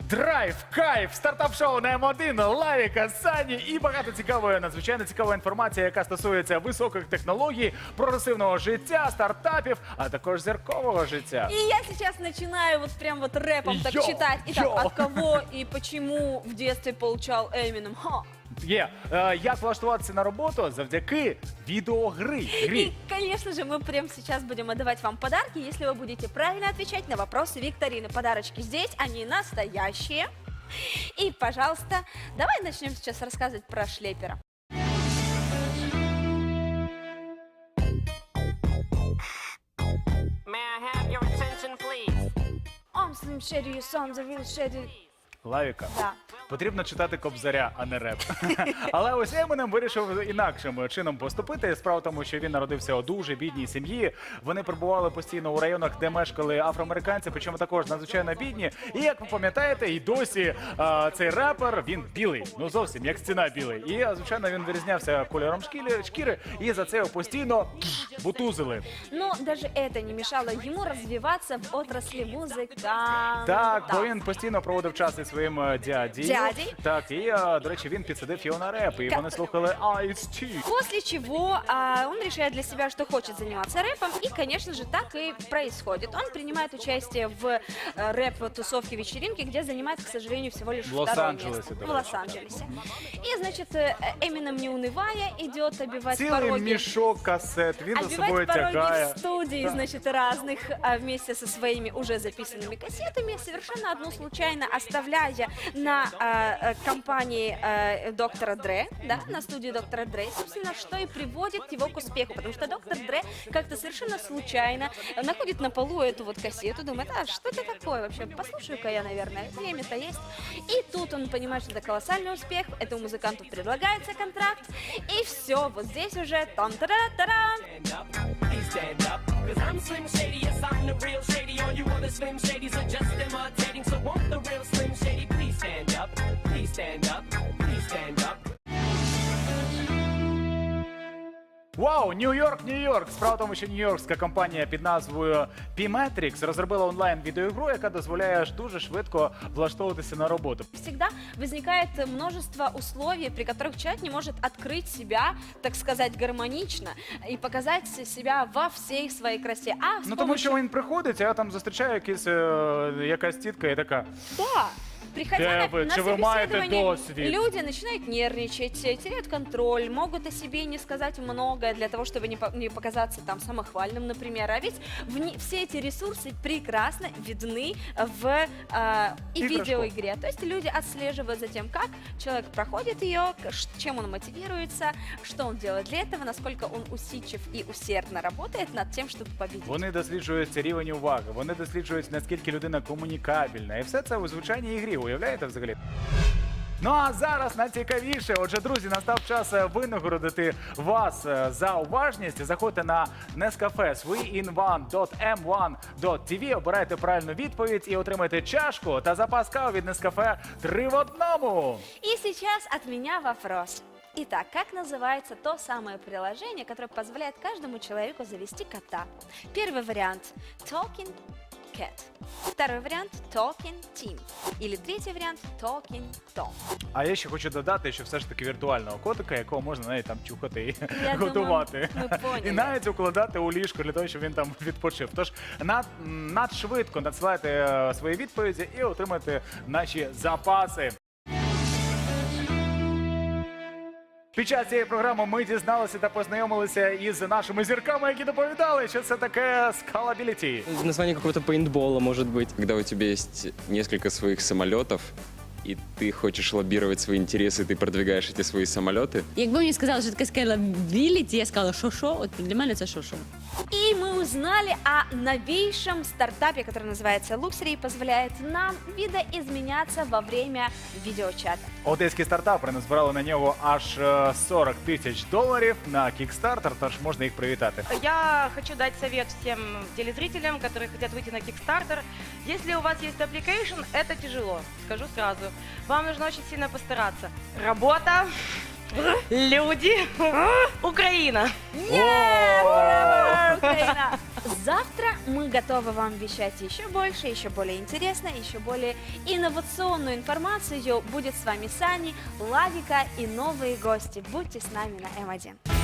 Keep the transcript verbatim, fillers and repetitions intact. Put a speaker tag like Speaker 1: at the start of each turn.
Speaker 1: Драйв, кайф, стартап-шоу на М один, Лавіка, Сані і багато цікавої, надзвичайно цікавої інформації, яка стосується високих технологій, прогресивного життя, стартапів, а також зіркового життя.
Speaker 2: И я сейчас начинаю вот прям вот рэпом так
Speaker 1: Йо,
Speaker 2: читать. Итак,
Speaker 1: йо.
Speaker 2: от кого и почему в детстве получал Эминем? Ха.
Speaker 1: Є. Е, як влаштуватися на роботу завдяки відеогри. Грі.
Speaker 2: И, конечно же, мы прямо сейчас будем отдавать вам подарки, если вы будете правильно отвечать на вопросы викторины. Подарочки здесь, они настоящие. И, пожалуйста, давай начнем сейчас рассказывать про шлепера.
Speaker 3: May I have your attention, please?
Speaker 2: I'm Slim Shady, your son's a real shady.
Speaker 1: Лавіка.
Speaker 2: Да.
Speaker 1: Потрібно читати Кобзаря, а не реп. Але ось Емінем вирішив інакшим чином поступити. Справа в тому, що він народився у дуже бідній сім'ї. Вони перебували постійно у районах, де мешкали афроамериканці, причому також надзвичайно бідні. І як ви пам'ятаєте, і досі а, цей репер, він білий. Ну зовсім, як стіна білий. І, а, звичайно, він вирізнявся кольором шкіри, шкіри, і за це його постійно бутузили.
Speaker 2: Но даже это не мешало ему развиваться в отрасли музыканта.
Speaker 1: Так, бо він постійно проводив час із своїм е, дядею.
Speaker 2: Дядей.
Speaker 1: Так, і, а, до речі, він підсадив його на реп, і
Speaker 2: Ка-
Speaker 1: вони слухали Ice-T.
Speaker 2: После чего а, он решает для себя, что хочет заниматься рэпом, и, конечно же, так и происходит. Он принимает участие в э, рэп-тусовке, вечеринке, где занимает, к сожалению, всего лишь
Speaker 1: В
Speaker 2: второе
Speaker 1: Лос-Анджелесе,
Speaker 2: место.
Speaker 1: до
Speaker 2: В
Speaker 1: речи.
Speaker 2: Лос-Анджелесе. И, значит, э, Эминем, не унывая, идет обивать
Speaker 1: Цілий
Speaker 2: пороги.
Speaker 1: мішок касет, він за собою
Speaker 2: Обивать пороги
Speaker 1: тягає.
Speaker 2: в студии,
Speaker 1: Да.
Speaker 2: значит, разных, а, вместе со своими уже записанными кассетами, совершенно одну случайно оставляя на а, а, компании а, доктора Дре, да, на студии доктора Дре, собственно, что и приводит его к успеху, потому что доктор Дре как-то совершенно случайно находит на полу эту вот кассету, думает, а что это такое вообще, послушаю-ка я, наверное, время-то есть. И тут он понимает, что это колоссальный успех, этому музыканту предлагается контракт, и все, вот здесь уже там-та-да-та-дам.
Speaker 3: Stand up, please stand up. Cause I'm Slim Shady, yes, I'm the real Shady. All you other Slim Shadys are just imitating. So won't the real Slim Shady please stand up? Please stand up, please stand up.
Speaker 1: Вау, Нью-Йорк, Нью-Йорк! Справа в тому, що нью-йоркська компанія під назвою P-Matrix розробила онлайн-відеоігру, яка дозволяє ж дуже швидко влаштовуватися на роботу.
Speaker 2: Всегда возникает множество условий, при которых человек не может открыть себя, так сказать, гармонично и показать себя во всей своей красе. А с
Speaker 1: Ну тому що
Speaker 2: помощью-
Speaker 1: він приходить, а там зустрічає якісь, е, якась тітка і така.
Speaker 2: Да. Приходя
Speaker 1: Де
Speaker 2: на,
Speaker 1: ви?
Speaker 2: на
Speaker 1: Чи ви маєте
Speaker 2: собеседование,
Speaker 1: досвід?
Speaker 2: люди начинают нервничать, теряют контроль, могут о себе не сказать многое для того, чтобы не, по- не показаться там самохвальным, например. А ведь вне- все эти ресурсы прекрасно видны в э, и
Speaker 1: Игрушку.
Speaker 2: видеоигре. То есть люди отслеживают за тем, как человек проходит ее, к- ш- чем он мотивируется, что он делает для этого, насколько он усидчив и усердно работает над тем, чтобы победить.
Speaker 1: Вони досліджують рівень уваги, вони досліджують, наскільки людина комунікабельна. І все це у звичайній ігрі, уявляєте взагалі? Ну а зараз найцікавіше. Отже, друзі, настав час е, винагородити вас е, за уважність. Заходьте на Nescafe three in one dot m one dot t v, обирайте правильну відповідь і отримайте чашку та запас кави від Nescafe три в одному.
Speaker 2: И сейчас от меня вопрос. Итак, как называется то самое приложение, которое позволяет каждому человеку завести кота? Первый вариант – Talking Cat. Второй вариант – Talking Team. Или третий вариант – Talking Tom.
Speaker 1: А я ще хочу додати, що все ж таки віртуального котика, якого можна навіть там чухати і
Speaker 2: Я
Speaker 1: готувати.
Speaker 2: думаю, ми поняли.
Speaker 1: І навіть укладати у ліжко для того, щоб він там відпочив. Тож над, надшвидко надсилайте е, свої відповіді і отримайте наші запаси. Під час цієї програми ми дізналися та познайомилися із нашими зірками, які доповідали, що це таке скалабіліті.
Speaker 4: Название какого-то пейнтбола, может быть.
Speaker 5: Когда у тебя есть несколько своих самолетов, и ты хочешь лоббировать свои интересы, ты продвигаешь эти свои самолеты.
Speaker 6: Якби мені сказали, що таке скейлабіліті, я сказала, що що, от для мене це що що.
Speaker 2: И мы узнали о новейшем стартапе, который называется Luxury и позволяет нам видоизменяться во время видеочата.
Speaker 1: Одеський стартапери назбирали на нього аж е, сорок тисяч доларів на Kickstarter, тож можна їх привітати.
Speaker 7: Я хочу дать совет всем телезрителям, которые хотят выйти на Kickstarter. Если у вас есть application, это тяжело, скажу сразу. Вам нужно очень сильно постараться. Работа, люди, Украина.
Speaker 2: Ура, Украина! Завтра мы готовы вам вещать еще больше, еще более интересно, еще более инновационную информацию. Будет с вами Сани, Лавика и новые гости. Будьте с нами на эм один.